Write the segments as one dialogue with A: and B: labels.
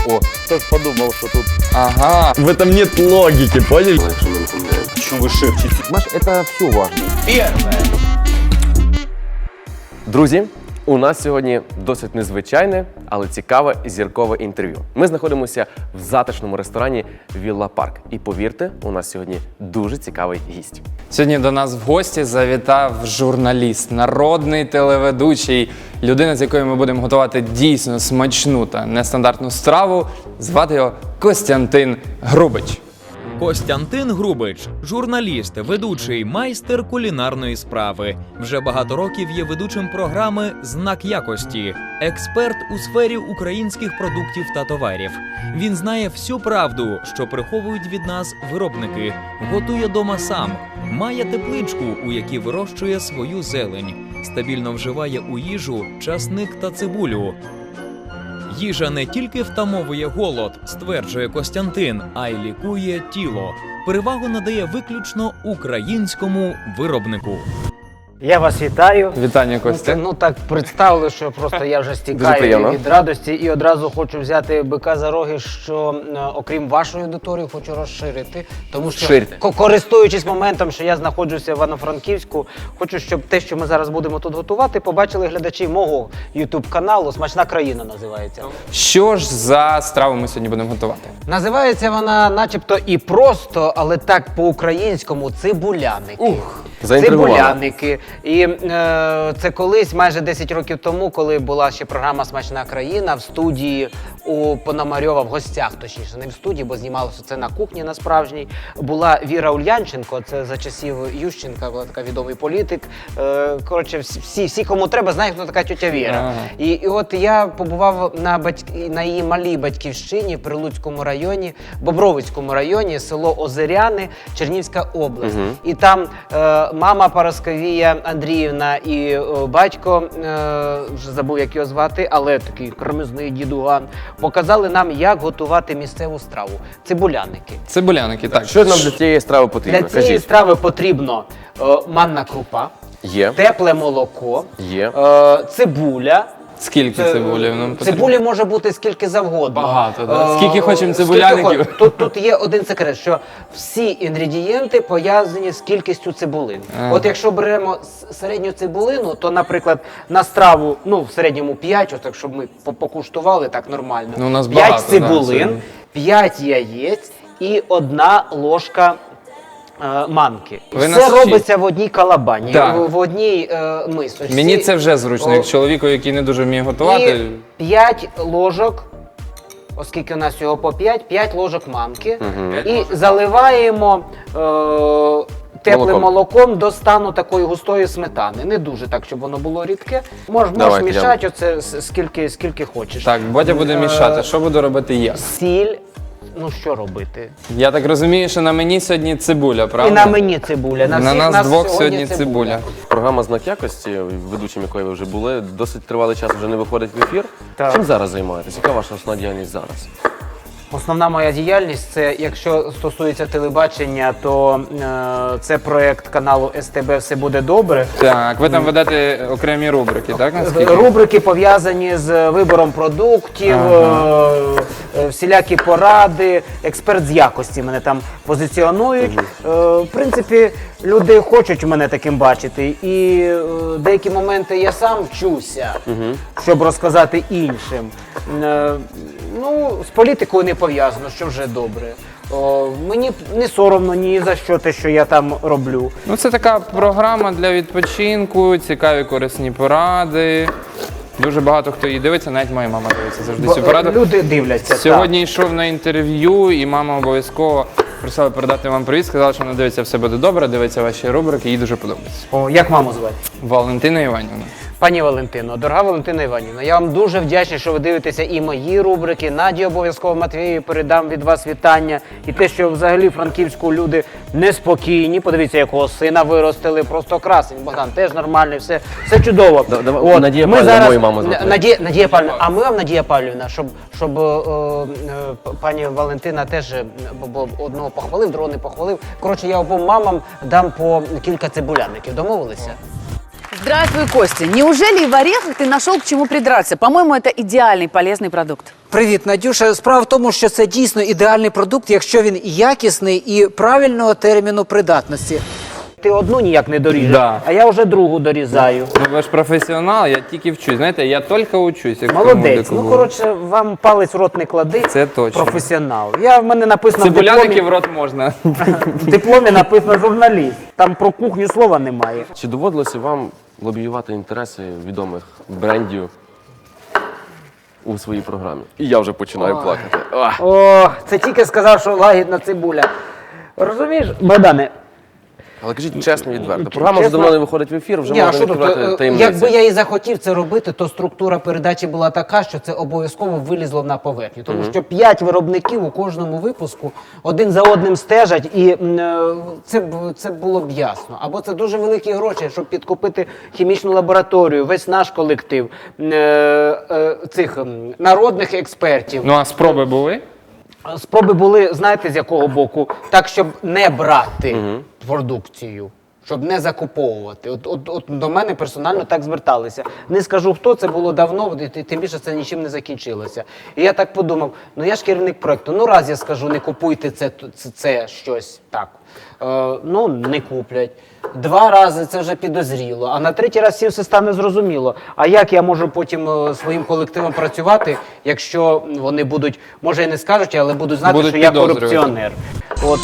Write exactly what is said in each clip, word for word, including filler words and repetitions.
A: О, хтось подумав, що тут...
B: Ага.
C: В этом нет логики, поняли?
A: Що ви шепчете?
D: Маш, это все важно.
A: Первое.
B: Друзі, у нас сьогодні досить незвичайне, але цікаве зіркове інтерв'ю. Ми знаходимося в затишному ресторані Вілла Парк. І повірте, у нас сьогодні дуже цікавий гість.
E: Сьогодні до нас в гості завітав журналіст, народний телеведучий, людина, з якою ми будемо готувати дійсно смачну та нестандартну страву. Звати його Костянтин Грубич.
F: Костянтин Грубич – журналіст, ведучий, майстер кулінарної справи. Вже багато років є ведучим програми «Знак якості», експерт у сфері українських продуктів та товарів. Він знає всю правду, що приховують від нас виробники, готує дома сам, має тепличку, у якій вирощує свою зелень, стабільно вживає у їжу часник та цибулю. Їжа не тільки втамовує голод, стверджує Костянтин, а й лікує тіло. Перевагу надає виключно українському виробнику.
G: Я вас вітаю.
E: Вітання, Костя.
G: Ну, ну так представили, що просто я вже стікаю від радості і одразу хочу взяти бика за роги, що е, окрім вашої аудиторії хочу розширити. Тому що,
B: Ширте.
G: ко- користуючись моментом, що я знаходжуся в Івано-Франківську, хочу, щоб те, що ми зараз будемо тут готувати, побачили глядачі мого ютуб-каналу «Смачна країна» називається.
E: Що ж за страву ми сьогодні будемо готувати?
G: Називається вона начебто і просто, але так по-українському – цибуляники.
B: Ух, заінтригували.
G: Цибуляники. І е, це колись, майже десять років тому, коли була ще програма «Смачна країна» в студії у Пономарьова, в гостях, точніше, не в студії, бо знімалося це на кухні на справжній, була Віра Ульянченко, це за часів Ющенка, була така відомий політик. Е, коротше, всі, всі, кому треба, знають, хто така тьотя Віра.
E: Ага.
G: І, і от я побував на, батьк... на її малій батьківщині в Прилуцькому районі, Бобровицькому районі, село Озеряни, Чернігівська область.
B: Угу.
G: І там е, мама Парасковія Андріївна і е, батько, е, вже забув, як його звати, але такий кремезний дідуган, показали нам, як готувати місцеву страву – цибуляники.
E: Цибуляники, так.
B: Що нам для цієї страви потрібно?
G: Для цієї
B: Кажіть.
G: страви потрібно е, манна крупа,
B: Є.
G: тепле молоко,
B: Є.
G: е, цибуля.
E: Скільки
G: Це-
E: цибулі нам потрібно?
G: Цибулі може бути скільки завгодно.
E: Багато, да?
G: Е,
E: Скільки хочемо
G: скільки
E: цибуляників?
G: хоч- Тут, тут є один секрет, що всі інгредієнти пов'язані з кількістю цибулин.
E: Ага.
G: От якщо беремо с- середню цибулину, то, наприклад, на страву, ну, в середньому п'ять, отак, щоб ми по- покуштували так нормально.
E: Ну, у нас
G: п'ять
E: багато, да,
G: цибулин,
E: сьогодні.
G: п'ять яєць і одна ложка е, манки.
E: Ви
G: Все
E: нас
G: робиться в одній калабані,
E: Так.
G: в, в одній е, мисочці.
E: Мені це вже зручно, як
G: О.
E: чоловіку, який не дуже вміє готувати.
G: І п'ять ложок, оскільки у нас всього по п'ять, п'ять ложок манки. І заливаємо е, теплим
B: Молоком.
G: молоком до стану такої густої сметани. Не дуже так, щоб воно було рідке. Мож, можеш
B: Давайте,
G: мішати оце с- скільки, скільки хочеш.
E: Так, Бодя буде
G: Е,
E: мішати. Що буду робити я?
G: Сіль. Ну що робити?
E: Я так розумію, що на мені сьогодні цибуля, правда?
G: І на мені цибуля. На,
E: На
G: всіх
E: нас двох сьогодні цибуля.
B: Програма «Знак якості», ведучим якої ви вже були, досить тривалий час вже не виходить в ефір.
G: Так.
B: Чим зараз займаєтесь? Яка ваша основна діяльність зараз?
G: Основна моя діяльність – це, якщо стосується телебачення, то е, це проєкт каналу ес те бе «Все буде добре».
E: Так, ви там ведете окремі рубрики, так? Наскільки?
G: Рубрики пов'язані з вибором продуктів,
E: Ага.
G: е, е, всілякі поради, експерт з якості мене там позиціонують. Е, в принципі, люди хочуть мене таким бачити, і е, деякі моменти я сам вчуся, щоб розказати іншим. Е, ну, з політикою не пов'язано, що вже добре. О, мені не соромно ні за що те, що я там роблю.
E: Ну, це така програма для відпочинку, цікаві корисні поради. Дуже багато хто її дивиться, навіть моя мама дивиться завжди цю
G: Бо,
E: пораду.
G: люди дивляться.
E: Сьогодні йшов на інтерв'ю, і мама обов'язково просила передати вам привіт, сказала, що вона дивиться «Все буде добре», дивиться ваші рубрики, їй дуже подобається.
G: Так. О, як маму звати?
E: Валентина Іванівна.
G: Пані Валентино, дорога Валентина Іванівна, я вам дуже вдячний, що ви дивитеся і мої рубрики. Наді обов'язково Матвієві передам від вас вітання. І те, що взагалі Франківську люди неспокійні. Подивіться, якого сина виростили, просто красень. Богдан теж нормальний, все, все чудово.
B: Да- давай, Надія
G: ми
B: Павлівна,
G: зараз-
B: мою маму звати.
G: Надія, Надія Павлівна, а ми вам, Надія Павлівна, щоб, щоб е, е, пані Валентина теж е, бо- бо одного похвалив, другого не похвалив. Коротше, я обом мамам дам по кілька цибуляників. Домовилися?
D: Здравствуй, Костя. Неужели и в орехах ты нашел к чему придраться? По-моему, это идеальный полезный продукт.
G: Привіт, Надюша. Справа в тому, що це дійсно ідеальний продукт, якщо він якісний і правильного терміну придатності. Ти одну ніяк не доріжеш,
E: Да.
G: а я вже другу дорізаю.
E: Ну, ви ж професіонал, я тільки вчусь. Знаєте, я тільки учусь. як
G: Молодець.
E: тому
G: Ну,
E: дику.
G: коротше, вам палець в рот не клади.
E: Це точно.
G: Професіонал. Я, в мене написано в
E: Цибуляники
G: дипломі,
E: в рот можна.
G: в дипломі написано журналіст. Там про кухню слова немає.
B: Чи доводилося вам лобіювати інтереси відомих брендів у своїй програмі? І я вже починаю плакати. Ах.
G: О, це тільки сказав, що лагідна цибуля. Розумієш, Богдане?
B: Але кажіть чесно, відверто. Програма вже
G: Чесно?
B: давно не виходить в ефір, вже
G: Ні, а
B: можна
G: що тут,
B: відкривати
G: е,
B: таємниці.
G: якби я і захотів це робити, то структура передачі була така, що це обов'язково вилізло на поверхню. Тому що п'ять виробників у кожному випуску один за одним стежать, і м, е, це, б- це було б ясно. Або це дуже великі гроші, щоб підкупити хімічну лабораторію, весь наш колектив, м, е, е, цих м, народних експертів.
E: Ну, а спроби були?
G: Спроби були, знаєте, з якого боку? Так, щоб не брати продукцію, щоб не закуповувати. От, от, от до мене персонально так зверталися. Не скажу хто, це було давно, і тим більше це нічим не закінчилося. І я так подумав, ну я ж керівник проєкту, ну раз я скажу, не купуйте це, це, це щось так. Е, ну, не куплять. Два рази це вже підозріло, а на третій раз всім все стане зрозуміло. А як я можу потім е, своїм колективом працювати, якщо вони будуть, може і не скажуть, але будуть знати,
E: Будуть
G: що я
E: підозрювати.
G: корупціонер. От.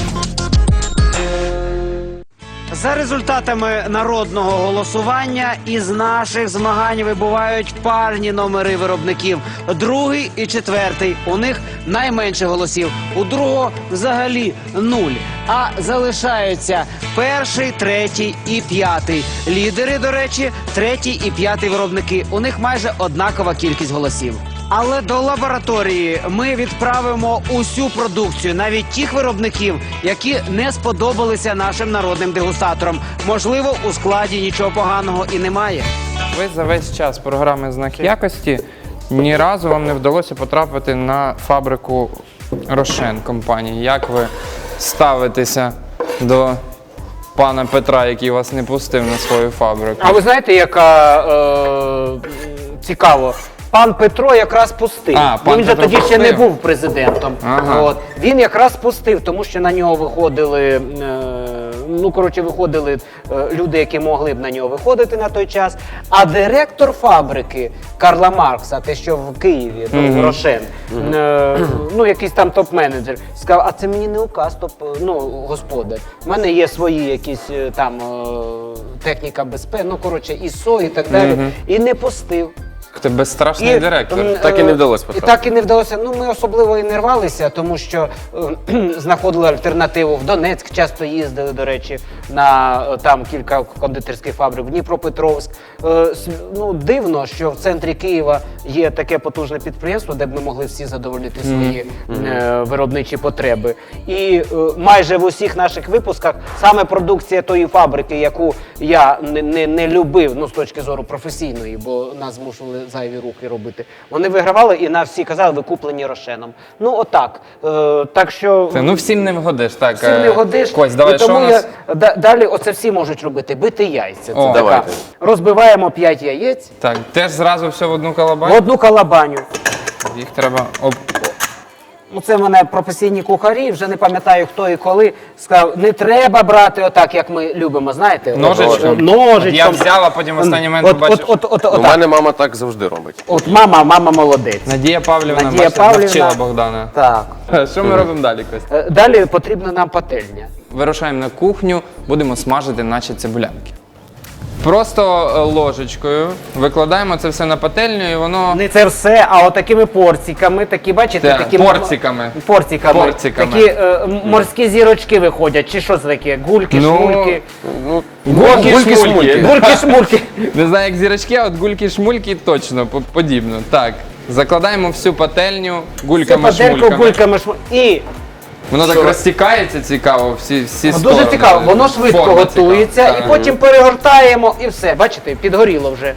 G: За результатами народного голосування із наших змагань вибувають парні номери виробників. Другий і четвертий. У них найменше голосів. У другого взагалі нуль. А залишаються перший, третій і п'ятий. Лідери, до речі, третій і п'ятий виробники. У них майже однакова кількість голосів. Але до лабораторії ми відправимо усю продукцію, навіть тих виробників, які не сподобалися нашим народним дегустаторам. Можливо, у складі нічого поганого і немає.
E: Ви за весь час програми «Знак якості» ні разу вам не вдалося потрапити на фабрику Рошен компанії. Як ви ставитеся до пана Петра, який вас не пустив на свою фабрику?
G: А ви знаєте, яка е, цікаво? Пан Петро якраз пустив.
E: А,
G: Ну,
E: пан
G: він же
E: Петро
G: тоді ще не
E: пустив.
G: був президентом.
E: Ага.
G: От. Він якраз пустив, тому що на нього виходили, е, ну, коротше, виходили е, люди, які могли б на нього виходити на той час. А директор фабрики Карла Маркса, те, що в Києві, ну, Рошен, е, ну, якийсь там топ-менеджер, сказав, а це мені не указ, топ, ну, господар. У мене є свої якісь е, там е, техніка безпеки, ну, коротше, ІСО і так далі. І не пустив.
E: Ти безстрашний директор.
G: м,
B: Так і не
G: е,
B: вдалося
G: І
B: потрапити.
G: так і не вдалося. Ну, ми особливо і не рвалися, тому що е, знаходили альтернативу. В Донецьк часто їздили, до речі, на е, там кілька кондитерських фабрик, в Дніпропетровськ. Е, с- ну, дивно, що в центрі Києва є таке потужне підприємство, де б ми могли всі задовольнити свої е, виробничі потреби. І е, майже в усіх наших випусках саме продукція тої фабрики, яку я не, не, не любив, ну, з точки зору професійної, бо нас змушували зайві рухи робити. Вони вигравали і на всі казали, ви куплені Рошеном. Ну, отак. Е, так що...
E: Це, ну всім не вгодиш. Так,
G: Всім не
E: е,
G: годиш.
E: Кость, давай,
G: І
E: що
G: тому
E: у нас?
G: я, да- далі оце всі можуть робити. Бити яйця. Це
E: О,
G: така.
B: давайте.
G: Розбиваємо п'ять яєць
E: Так, теж зразу все в одну
G: в
E: калабань?
G: одну калабаню.
E: Їх треба об...
G: Ну, це в мене професійні кухарі, вже не пам'ятаю хто і коли, сказав, не треба брати отак, як ми любимо, знаєте? от-
E: Ножичком?
G: от- Ножичком.
E: Я взяв, а потім в останній момент
G: от,
E: побачив,
G: от, от, от,
B: У
G: отак.
B: мене мама так завжди робить.
G: От мама, мама молодець.
E: Надія Павлівна,
G: Надія
E: бачите,
G: Павлівна.
E: навчила Богдана.
G: Так.
E: Що ми робимо далі, Кость?
G: Е, Далі потрібна нам пательня.
E: Вирушаємо на кухню, будемо смажити наші цибулянки. Просто е, ложечкою викладаємо це все на пательню і воно...
G: Не це все, а отакими порціками, такі, бачите,
E: Так,
G: такі
E: порциками.
G: порциками.
E: Порциками.
G: Такі е, м- морські зірочки виходять, чи що це таке? Гульки,
E: Ну,
G: шмульки.
B: Ну,
E: Гульки-шмульки.
G: Гульки, шмульки.
E: Не знаю, як зірочки, а от гульки-шмульки точно по- подібно. Так, закладаємо всю пательню
G: Це
E: гульками
G: падельку
E: шмульками.
G: гульками шмульками. І
E: Воно так розтікається цікаво, всі, всі
G: ну,
E: сторони.
G: дуже цікаво, воно швидко
E: Форма
G: готується,
E: цікава.
G: і
E: Так.
G: потім перегортаємо, і все, бачите, підгоріло вже.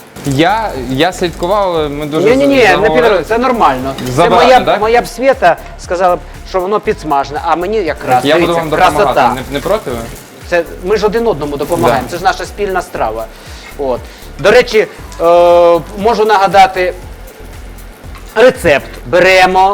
E: Я, я слідкував, але ми дуже
G: Ні, ні, ні, не
E: заговорились.
G: підгоріло, це нормально. Це
E: Забагато,
G: моя,
E: так?
G: моя б Свєта сказала, б, що воно підсмажене, а мені якраз,
E: Я буду
G: дивіться,
E: вам допомагати,
G: красота.
E: не, не проти ви?
G: Це, ми ж один одному допомагаємо,
E: Да.
G: це ж наша спільна страва. От. До речі, е, можу нагадати рецепт. Беремо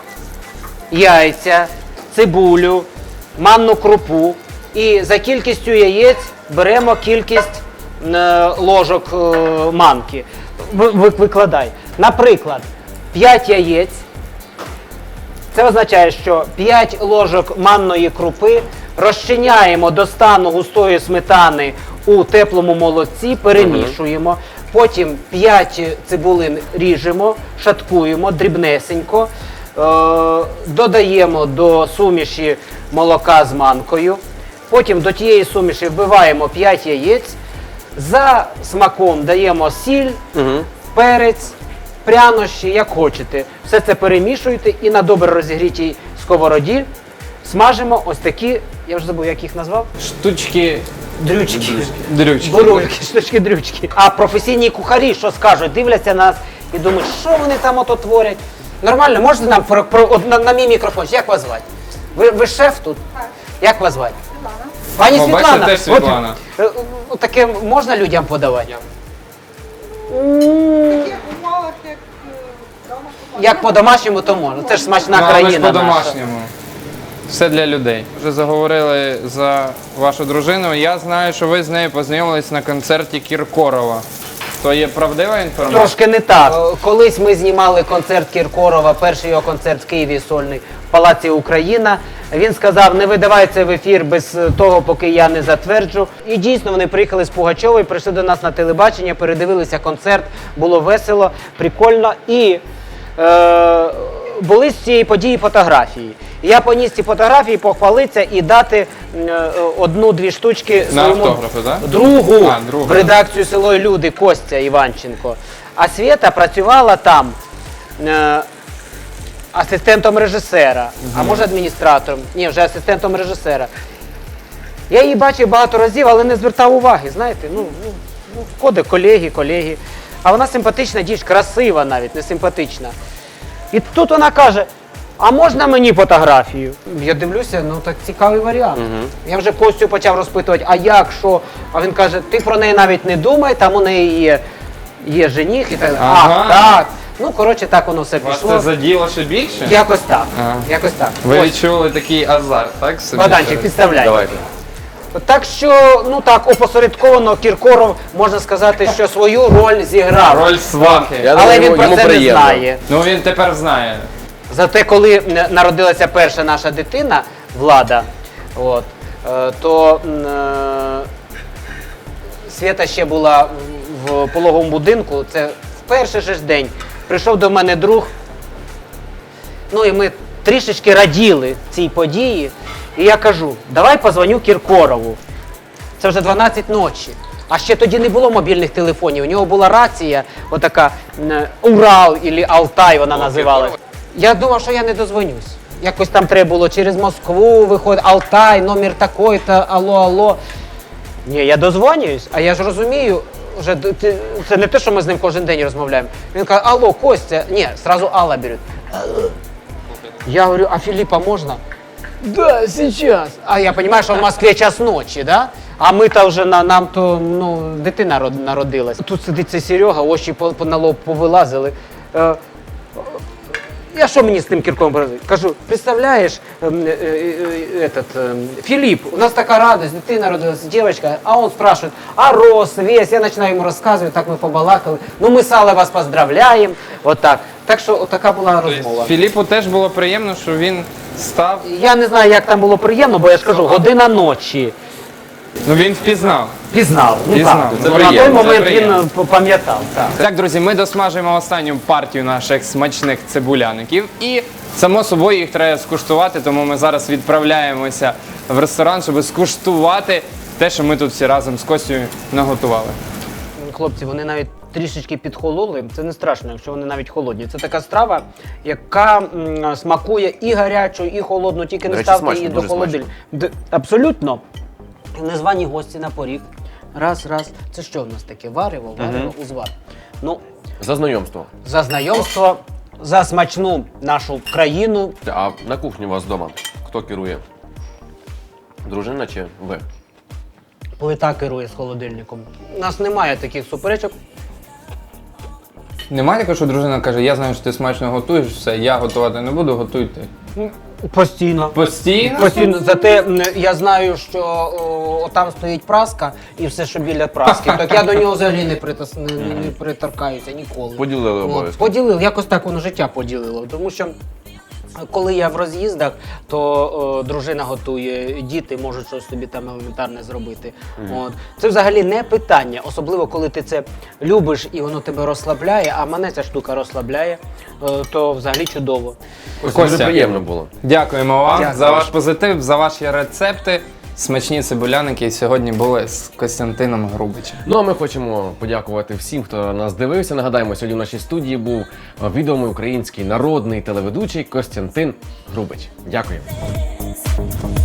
G: яйця, цибулю, манну крупу і за кількістю яєць беремо кількість е, ложок е, манки. Ви- ви- Викладай. Наприклад, п'ять яєць. Це означає, що п'ять ложок манної крупи розчиняємо до стану густої сметани у теплому молоці, перемішуємо. Потім п'ять цибулин ріжемо, шаткуємо дрібнесенько, е- додаємо до суміші молока з манкою. Потім до тієї суміші вбиваємо п'ять яєць. За смаком даємо сіль, перець, прянощі, як хочете. Все це перемішуєте і на добре розігрітій сковороді смажимо ось такі, я вже забув, як їх назвав?
E: Штучки
G: Дрючки.
E: дрючки.
G: Бурульки, штучки-дрючки. А професійні кухарі, що скажуть, дивляться нас і думають, що вони там ото творять. Нормально, можете нам про, про, от на, на мій мікрофон, як вас звати? Ви, ви шеф тут? Так. Як вас звати? Світлана. Пані
E: О, бачите,
G: Світлана,
E: теж Світлана.
G: От, е, от таке можна людям подавати? Як по-домашньому, то можна. Це ж смачна
E: Ну, але ж
G: країна наша.
E: по-домашньому. Все для людей. Вже заговорили за вашу дружину. Я знаю, що ви з нею познайомились на концерті Кіркорова. То є правдива інформація?
G: Трошки не так. Е, Колись ми знімали концерт Кіркорова, перший його концерт в Києві сольний в Палаці Україна. Він сказав, не видавай це в ефір без того, поки я не затверджу. І дійсно вони приїхали з Пугачової, прийшли до нас на телебачення, передивилися концерт, було весело, прикольно. І е, були з цієї події фотографії. Я поніс ці фотографії, похвалитися і дати е, одну-дві штучки
E: На
G: своєму
E: автографи, так?
G: другу
E: А, другу.
G: в редакцію «Село і люди» Костя Іванченко. А Свєта працювала там е, асистентом режисера, а може адміністратором. Ні, вже асистентом режисера. Я її бачив багато разів, але не звертав уваги, знаєте, ну, ну, ну ходить колеги, колеги. А вона симпатична дівчина, красива навіть, не симпатична. І тут вона каже, а можна мені фотографію? Я дивлюся, ну так цікавий варіант. Я вже Костю почав розпитувати, а як, що? А він каже, ти про неї навіть не думай, там у неї є, є жених і так.
E: Ага.
G: А, так. Ну, коротше, так воно все
E: Вас
G: пішло.
E: це заділо ще більше?
G: Якось так.
E: Ага.
G: Якось так.
E: Ви
G: Ось,
E: відчули такий азарт, так? собі?
G: Богданчик, підставляй.
B: Давайте.
G: Так що, ну так, опосередковано Кіркоров, можна сказати, що свою роль зіграв.
E: Роль свахи.
B: Я
G: Але
B: думаю,
G: він про
B: йому
G: це не
B: приємно.
G: знає.
E: Ну він тепер знає.
G: Зате, коли н- народилася перша наша дитина, Влада, от, е, то м, е, Свята ще була в пологовому будинку, це в перший же ж день. Прийшов до мене друг, ну і ми трішечки раділи цій події. І я кажу, давай позвоню Кіркорову. Це вже дванадцять ночі. А ще тоді не було мобільних телефонів. У нього була рація, отака м, Урал або Алтай вона називалась. Я думав, що я не дозвонюсь. Якось там треба було через Москву виходити, Алтай, номер такой-то, алло, алло. Ні, я дозвонююсь, а я ж розумію, вже д- ти- це не те, що ми з ним кожен день розмовляємо. Він каже, алло, Костя, ні, сразу Алла беруть. Я говорю, а Филиппа можно? Да, сейчас. А я понимаю, что в Москве час ночі, да? А ми-то вже, на, нам то, ну, дитина род- народилась. Тут сидить цей Серега, очі по, по, на лоб повилазили. Е, я що мені з тим Кірком говорю? Кажу, представляєш, ем, е, е, е, этот, ем, Филипп, у нас така радость, дитина родилась, дівчинка, а он спрашивает, а рост, вес, я починаю йому розказувати, так ми побалакали. Ну ми з Аллою вас поздравляємо, отак. Так що отака була розмова.
E: Філіпу теж було приємно, що він став.
G: Я не знаю, як там було приємно, бо я ж кажу, година ночі.
E: Ну він впізнав.
G: Пізнав. Ну
E: Пізнав.
G: так,
E: Це
G: на той
B: приємно, це
G: момент
E: приємно.
G: він е, пам'ятав. Так.
E: Так, друзі, ми досмажуємо останню партію наших смачних цибуляників. І, само собою, їх треба скуштувати, тому ми зараз відправляємося в ресторан, щоб скуштувати те, що ми тут всі разом з Костю наготували.
G: Хлопці, вони навіть трішечки підхололи. Це не страшно, якщо вони навіть холодні. Це така страва, яка м, смакує і гарячу, і холодну, тільки
B: До
G: не
B: речі,
G: ставте
B: смачно,
G: її до
B: дуже
G: холодильника. Д- Абсолютно. Незвані гості на поріг. Раз, раз. Це що в нас таке? Варево, варево, узвар. Ну,
B: За знайомство.
G: за знайомство, за смачну нашу країну.
B: А на кухні у вас вдома хто керує? Дружина чи ви?
G: плита керує з холодильником. У нас немає таких суперечок.
E: Немає такого, що дружина каже, я знаю, що ти смачно готуєш, все, я готувати не буду, готуй ти.
G: Постійно.
E: Постійно?
G: Постійно. Зате м, я знаю, що о, там стоїть праска і все, що біля праски. Так я до нього взагалі не, притас, не, не, не приторкаюся ніколи.
B: Поділили
G: От,
B: обов'язки.
G: Поділив, якось так воно життя поділило. Тому що коли я в роз'їздах, то о, дружина готує, діти можуть щось собі там елементарне зробити. От. Це взагалі не питання, особливо коли ти це любиш і воно тебе розслабляє, а мене ця штука розслабляє, е, то взагалі чудово.
B: Ось
E: Костя.
B: дуже приємно було.
E: Дякуємо вам
G: Дякую.
E: за ваш позитив, за ваші рецепти. Смачні цибуляники сьогодні були з Костянтином Грубичем.
B: Ну а ми хочемо подякувати всім, хто нас дивився. Нагадаємо, сьогодні в нашій студії був відомий український народний телеведучий Костянтин Грубич. Дякую.